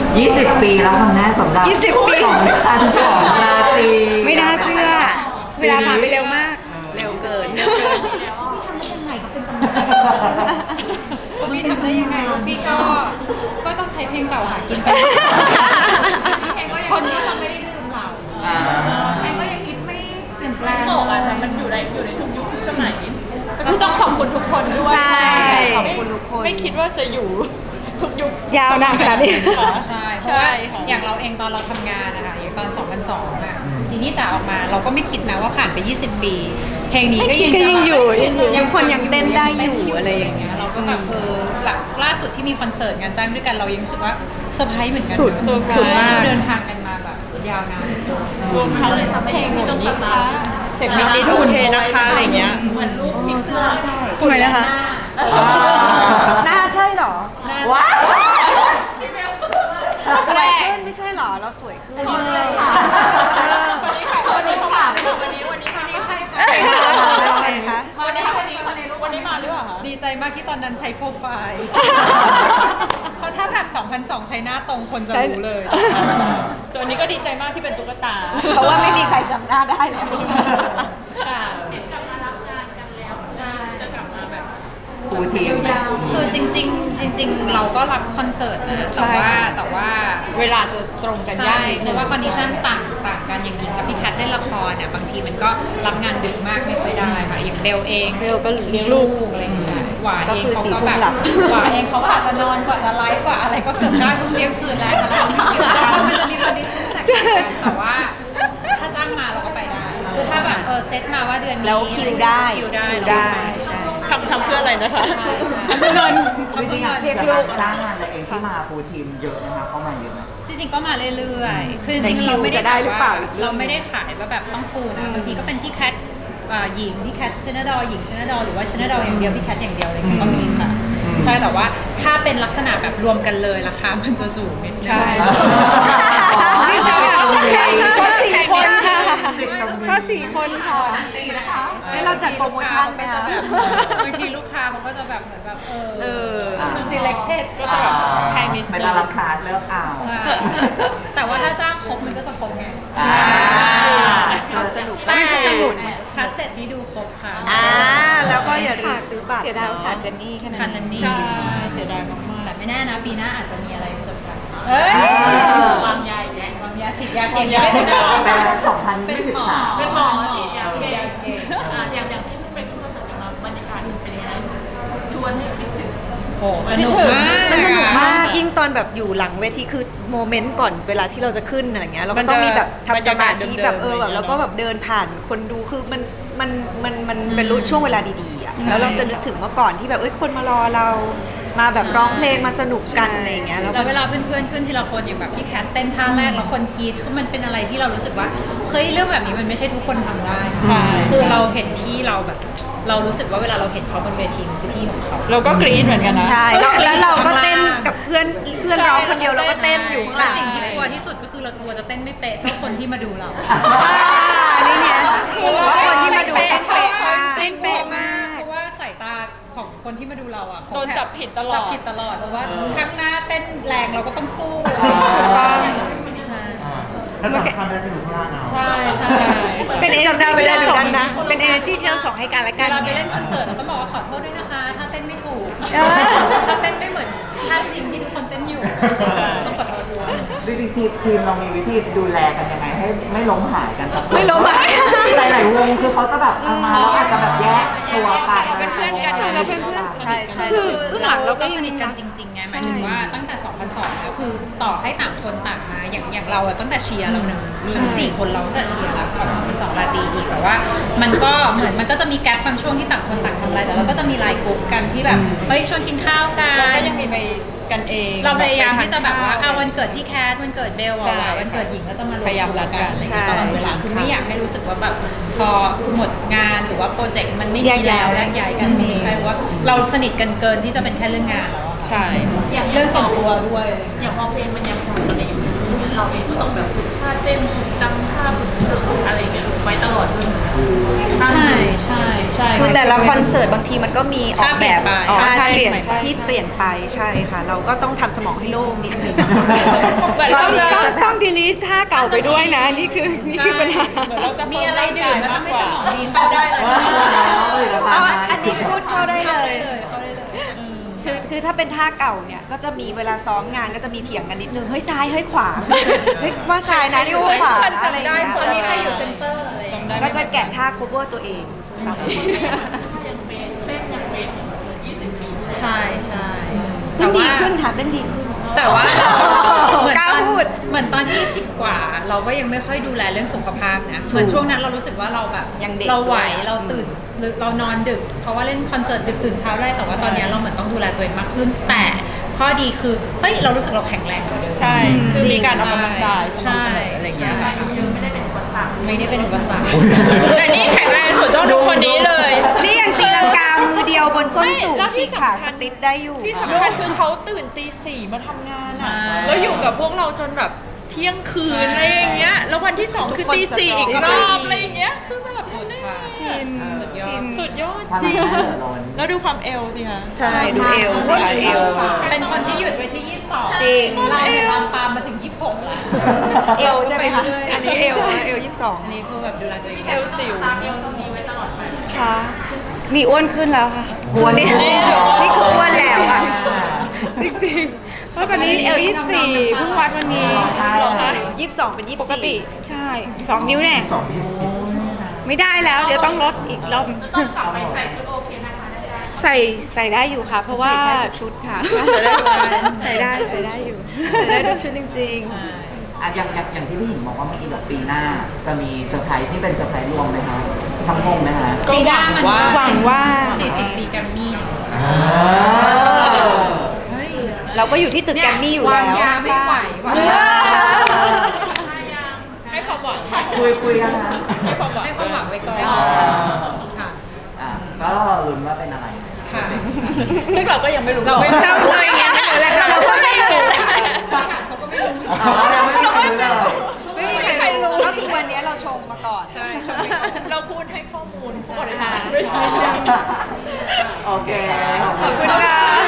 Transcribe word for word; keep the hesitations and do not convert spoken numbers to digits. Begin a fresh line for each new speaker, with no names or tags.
ยี่สิบปีแล้วทำแน่สำหรับ
ยี่สิบปี
สองพันสองราตรี
ไม่น่าเชื่อ เวลาผ่านไปเร็วมาก
เร็วเกิน
พี่ทำได้ยังไงพี่ก็ก็ต้องใช้เพลงเก่าหากินไปคนก็จะไม่ได้ลืมเรา
อ่า
แอนก็ยังคิดไม่เปลี่ยนแปลงบอกอะแต่มันอยู่ในอยู่ในทุกยุคทุกสมัย
ก็ต้องขอบคุณทุกคนด้วย
ใช่
ขอบคุณทุกคนไม่คิดว่าจะอยู่ทุกยุค
ยาวนานขนาดนี้
ใช่เพราะว่าอย่างเราเองตอนเราทำงานนะคะอย่างตอน สองพันสอง อ่ะจีนี่จ๋าออกมาเราก็ไม่คิดนะว่าผ่านไป ยี่สิบ ปี เพลงนี้ก็ยัง
ก็ยังอยู่ยังอยู่
ยังคนยังเต้นได้อยู่อะไรอย่างเงี้ย
เราก็แบบเออหลักล่าสุดที่มีคอนเสิร์ตงานจ้างด้วยกันเรายังรู้สึกว่าเซอร์ไพรส์เหมือนกัน
สุด
เนอะ
สุดมาก
เดินทางกันมาแบบยาวนาน
รวมทั้งเลยทำให้เพลงนี้ต้องกลับมา
เจ็บนิด
ดี
นิด
ทูเทนะคะอะไรเงี้ย
เหมือนรูปพิกเซอร์
ทำไมนะคะ
หน้าใช่เหรอ
หน้า
ว้าว
สวยขึ้นไม่ใช่เหรอ เราสวยขึ้น
วันนี้ค่ะวันนี้เขามาไม่ถึงวันนี้วันนี้วันนี้ใครคะ
ใครคะ
วันนี้วันนี้วันนี้มาหรือเปล่าคะดีใจมากที่ตอนนั้นใช้โปรไฟล์เพราะถ้าแบบ สองพันสอง ใช้หน้าตรงคนจะรู้เลยส่วนวันนี้ก็ดีใจมากที่เป็นตุ๊กตา
เพราะว่าไม่มีใครจำหน้าได้แล้ว
ค่ะ
กลับมารับงานกันแล้วจะกลับมาแบบ
ฟูลทีม
คือจริง ๆ จริง ๆ เราก็รับคอนเสิร์ตนะแต่ว่าแต่ว่าเวลาจะตรงกันยากเพราะว่าคอนดิชันต่างต่างกันอย่างหญิงกับพี่แคทเล่นละครเนี่ยบางทีมันก็รับงานดึกมากไม่ค่อยได้ค่ะอย่างเบลเอง
เบลก็เลี้
มี
ยงลู
ลู
ก
กอะไรอย่างเงี้ยหวาเอง
ก็
เขา
คือสี่
ก็
ทุ่
แบ
ม
บ
หลับ
หวาเองเขาอาจจะนอนกว่าจะไลฟ์กว่าอะไรก็เกือบห้าทุ่มเที่ยงคืนแล้วมันจะมีคอนดิชันแตกต่างกันแต่ว่าถ้าจ้างมาเราก็ไปได้คือถ้าแบบเออเซตมาว่าเดือนนี้
แล้วคิวได้
คิวได้
คิวได้ใช่
ทำทำเพื่ออะไรนะคะ
เงิน
จริงๆอะ
เรียก
จาก
ลู
กาก รจ้างงานอะไรเองที่มาฟูลทีมเยอะนะคะเข้ามาเยอะไหม
จริงๆก็มาเรื่อยๆ คือจ
แต่
ริง
คิ
ๆ
ว
เราไม่ได้
จะได้หรือเปล่าอีกเรื่
เรา
อง
ไม่ได้ขายว่าแบบต้องฟูลนะ บางทีก็เป็นพี่แคทอ่าหญิงพี่แคทชนดอหญิงชนดอหรือว่าชนดออย่างเดียวพี่แคทอย่างเดียวอะไรอย่างเงี้ยก็มีค่ะ ใช่แต่ว่าถ้าเป็นลักษณะแบบรวมกันเลยราคามันจะสูงนิดนึง
ใช่
ไม่ใช่ค่ะเพราะสี่คนค่ะเพราะสี่คนค่ะ
ให้เราจัดโปรโมชั่นไหม
ก็จะ
คะ
แบบบางทีลูกค้ามันก็จะแบบเหมือนแบบเออ
เออ
selected ก็จะแบบแพงนิด
เป็น
นึ
อาง ราคาร์ทเลือกเอา
ใช่แต่ว่าถ้าจ้างครบมันก็จะครบไง
อ่า
ความสนุก
แต่
มันจะสนุก
คัสเซ็ตนี้ดูครบค่ะ
อ่าแล้วก็อย่าลืมซื้อบัตร
เสียดายค่ะเจนนี่แค่นั้น
ค่ะเจนนี่
ใช่
เสียดายมากๆแต่ไม่แน่นะปีหน้าอาจจะมีอะไรเซอร์ไพรส์เอ้ย
วางยาอีกแล้ว
วางยาฉีดยาเก่งได้
แต่สองพัน
เป็น
ยี่สิบ
หมอ
สาม
เป็นหมอฉีดยา
ฉีด
เก่
ยาง เก่ง
อ่ะอย่างอย่างที่เพิ่งไปขึ้นคอนเสิร์ตกันมาบรรยากาศเป็นยังไงชวนให้คิดถึง
โอ้สนุกมาก
มันสนุกมากยิ่งตอนแบบอยู่หลังเวทีคือโมเมนต์ก่อนเวลาที่เราจะขึ้นอะไรเงี้ยเราก็ต้องมีแบบทำสมาธิแบบเออแบบแล้วก็แบบเดินผ่านคนดูคือมันมันมันมันเป็นรู้ช่วงเวลาดีๆอ่ะแล้วเราจะนึกถึงเมื่อก่อนที่แบบเอ้ยคนมารอเรามาแบบร้องเพลงมาสนุกกันอะไรอย่างเงี้ยแล้ว
แล้ว
ก็
เวลาเพื่อนๆขึ้นทีละคนอย่างแบบพี่แคทเต้นท่าแรกแล้วคนกรี๊ดคือมันเป็นอะไรที่เรารู้สึกว่าเฮ้ยเรื่องแบบนี้มันไม่ใช่ทุกคนทำได้
ใช่
คือเราเห็นพี่เราแบบ เรารู้สึกว่าเวลาเราเห็นเขาบนเวทีมันคือที่ของเขา
เราก็กรี๊ดเหมือนกันนะ
ใช่แล้วแล้วเราก็เต้นกับเพื่อนเพื่อนร้องคนเดียวเราก็เต้นอยู่ข้างห
และ
ลัง
สิ่งที่กลัวที่สุดก็คือเราจะกลัวจะเต้นไม่เป๊ะเท่าคนที่มาดูเรา
อันนี้เนี่ย
เพราะว่าคนที่มาดูเต้นเป๊ะมาก
เต้นเป๊ะมากเพราะว่าสายตาของคนที่มาดูเราอ่ะเขา
โดนจับผิดตลอด
จับผิดตลอดเพราะว่าข้างหน้าเต้นแรงเราก็ต้องสู้
ถูกต้อง
ใช่
แล้วสำคัญเลยคือดูข้างล่างเอา
ใช่ใช่
เป็น energy
จำได้ไม่
ที่
ได้
เรา
เหมื
ส่
อง นกันนะ
เป็น energy ที่เราส่งให้กันและ
เว
กัน
ลาไปเล่นคอนเสิร์ตเราต้องบอกว่าขอโทษด้วยนะคะ ถ้าเต้นไม่ถูก
เออ
ถ้าเต้นไม่เหมือนท่าจริงที่ทุกคนเต้นอยู่ต้องขอโทษด้วย
จริงๆทีมทีมเรามีวิธีดูแลกันยังไงให้ไม่ล้มหายกันสักคน
ไม่ล้มหาย
หลายๆวงคือเขาจะแบบเอามาแล้วอาจจะแบบแยกตัวกัน
เราเป็นเพื่อนกัน
เราเป็นเพื่อน
ใช่ใช่
คือเบื้องหลังเราก็
สนิทกันจริงๆไงหมายถึงว่าตั้งแต่ สองพันสอง แล้วคือต่อให้ต่างคนต่างมาอย่างอย่างเราอะตั้งแต่เชียร์เราเนอะทั้งสี่คนเราตั้งแต่เชียร์แล้วก่อน สองพันสอง ราตรีอีกแต่ว่า มันก็เหมือนมันก็จะมีแก๊ปบางช่วงที่ต่างคนต่างทำอะไรแต่เราก็จะมีไลน์กลุ่มกันที่แบบเฮ้ยชวนกินข้าวกั
เราก็
น
ยังมีไปกันเอง
เราพยายามที่จะแบบว่า
ไปทนข้
เอาวันเกิดที่แคทวันเกิดเบล
ใช่
อะวันเกิดหญิงก็จะมารวม
พยายาม
ตัว
รักกัน
อะไรอย่างเงี้ยตลอดเวลาคือไม่อยากให้รู้สึกว่าแบบพอหมดงานหรือว่าโปรเจกต์มันไม่มีแล้วแยกย้ายกันไม่ใช่ว่าเราสนิทกันเกินที่จะเป็นแค่เรื่องงานแล้วอะ
ใช่
อย่าง
เรื่องส่วนตัวด้วย
อย่างพอเพลงมันยังคงอยู่ในอยู่เราเองก็ต้องแบบฝึกท่าเต้นฝึกจำท่าฝึกเสิร์ฟอะไรอย่างเงี้ยไว้ตลอดด้วยเหมือนกัน
ใช่ใช่ใช่ใช่
คือแต่ละคอนเสิร์ตบางทีมันก็มีออกแบบ
ท่า
ท่า
เปลี่
ที่
ยนไป
ที่เปลี่ยนไปใช่ค่ะ เราก็ต้องทำสมองให้โล่งนิดนึง
เหมือน
ต้
เรา
อง
จะ
ต้องต้องดีลีทท่าเก่าไปด้วยนะ นี่คือนี่คือปัญหา
เหมือนเราจะ
มีอะไรดื่มแล้วทำให้สมองดีเข้าได้เลย
เอาอันนี้พูดเข้าได้
เข้า
เล
ได้
ย
เลยเข้าได้เลย
คือคือถ้าเป็นท่าเก่าเนี่ยก็จะมีเวลาซ้อมงานก็จะมีเถียงกันนิดนึงเฮ้ยซ้ายเฮ้ยขวาเฮ้ยว่าซ้ายนะนี่ว่าขวานะอะไรอย่างเงี้ย
ตอนนี้ใครอยู่เซ็นเตอร์อะไรอย่างเงี้ย
ก็จะแกะท่า cover ตัวเองครับ
ยังเบสเต้นยังเบสยี่สิบปี
ใช่ใช่
เต้นดีขึ้นค่ะเต้นดีขึ้น
แต่ว่าเราเหมือน
กล้า
ตอน
พูด
เหมือนตอนยี่สิบกว่า เราก็ยังไม่ค่อยดูแลเรื่องสุขภาพนะเหมือนช่วงนั้นเรารู้สึกว่าเราแบบ
ยังเด็ก
เราไหวเราตื่นหรือเรานอนดึก เพราะว่าเล่นคอนเสิร์ตดึกตื่นเช้าได้แต่ว่าตอนนี้เราเหมือนต้องดูแลตัวเองมากขึ้น แต่ข้อดีคือเฮ้ยเรารู้สึกเราแข็งแรงกว่าเดิม
ใช่ คือมีการออกกำลังกายส
ใช่
ม่ำเสมออะไรอย่างเงี้ยค่ะ
อายุเยอะไม่ได้เป็นอุปสรรค
ไม่ได้เป็นอุปสรรค
แต่นี่แข็งแรงสุดต้องดูคนนี้เลย
นี่ยังตีลังกามือเดียวบนส้นสูง
ไม่แล้วที่
ฉีกขา
สำคั
ส
ญ
ติปได้อยู่
ที่สำคัญคือเขาตื่นตีสี่มาทำงาน
ใช่
อะแล้วอยู่กับพวกเราจนแบบเที่ยงคืนอะไรอย่างเงี้ย แล้ววันที่สองคือตีสี่อีกรอบอะไรอย่างเงี้ย คือแบบ
สุดค่ะ
ชิน
สุดยอ
ชิ
ด
น
สุดยอด
ความ
จริง
น่าเหลือล้น
แล้วดูความเอวสิคะ
ใช่ดูเอวสิคะเอว
เป็นคนที่หยุดไว้ที่ยี่สิบสอง
จริง
เราเนี่ยตามปามมาถึงยี่สิบหกแล้ว
เอวใช่ไหมคะ
ปเรื่ย
อันนี้เอวเอวยี่สิบสอง
อันนี้คือแบบดูแลตัวเอง
เอวจิ๋ว
ตามเอวตรงนี้ไว้ตลอดไป
ค่ะนี่อ้วนขึ้นแล้วค่ะ
อ้วนนี่นี่คืออ้วนแล้วอ่ะ
จริงๆ เพราะตอนนี้เอลยี่สิบสี่เพิ่งวัดวันนี้
หรอคะ
ยี่สิบสองเป็นยี่
ป
สิบ
ก
สี่
ติใช่สองนิ้วแน่
สองยี่สิบ
ไม่ได้แล้ว เดี๋ยวต้องลดอีกรอบ
จะต้องกลับไปใส่ชุดโอเคนะคะได้ไหม
ใส่ใส่ได้อยู่ค่ะ เพราะว่า
ใส่ได้ทุกชุดค่ะ
ใส่ได้ใส่ได้อยู่
ใส่ได้ทุกชุดจริง
อ่ะอย่างอย่างอย่างที่พี่หญิงบอกว่าเมื่อกี้แบบปีหน้า จะมีเซอร์ไพรส์ที่เป็นเซอร์ไพรส์รวมไหมคะทั้งวงไหมคะ
ปีหน้ามันก็
หวังว่า
สี่สิบปีแกรมมี่เนี่ย
อ่า
เฮ้ย
ๆ เราก็อยู่ที่ตึกแกรมมี่อยู่แล้ว
วางยาไม่ไหวว่ะ
ให้ความหวังค่ะ
คุยคุยกันนะ
ให้ความหวัง
ให้ความหวังไว้ก่อน
อ่า
ค่ะ
อ่ะก็ลุ้นว่าเป็นอะไร
ค่ะ
ซึ่งเราก็ยังไม่รู้
เราไม่
เราเลยอย่างเงี้ยไม่รู้เลยค่ะ
เราก็ไม่รู้
เขาก็ไม่รู้
อ๋อยังไม่ได้รู้เลย
ไม่มีใครรู้ก็คือวันนี้เราชงมาก่อน
ใช่ชมไปก่อน
เราพูดให้ข้อมูลผู้บริหารไม่ใช่
โอเค
ขอบคุณค่ะ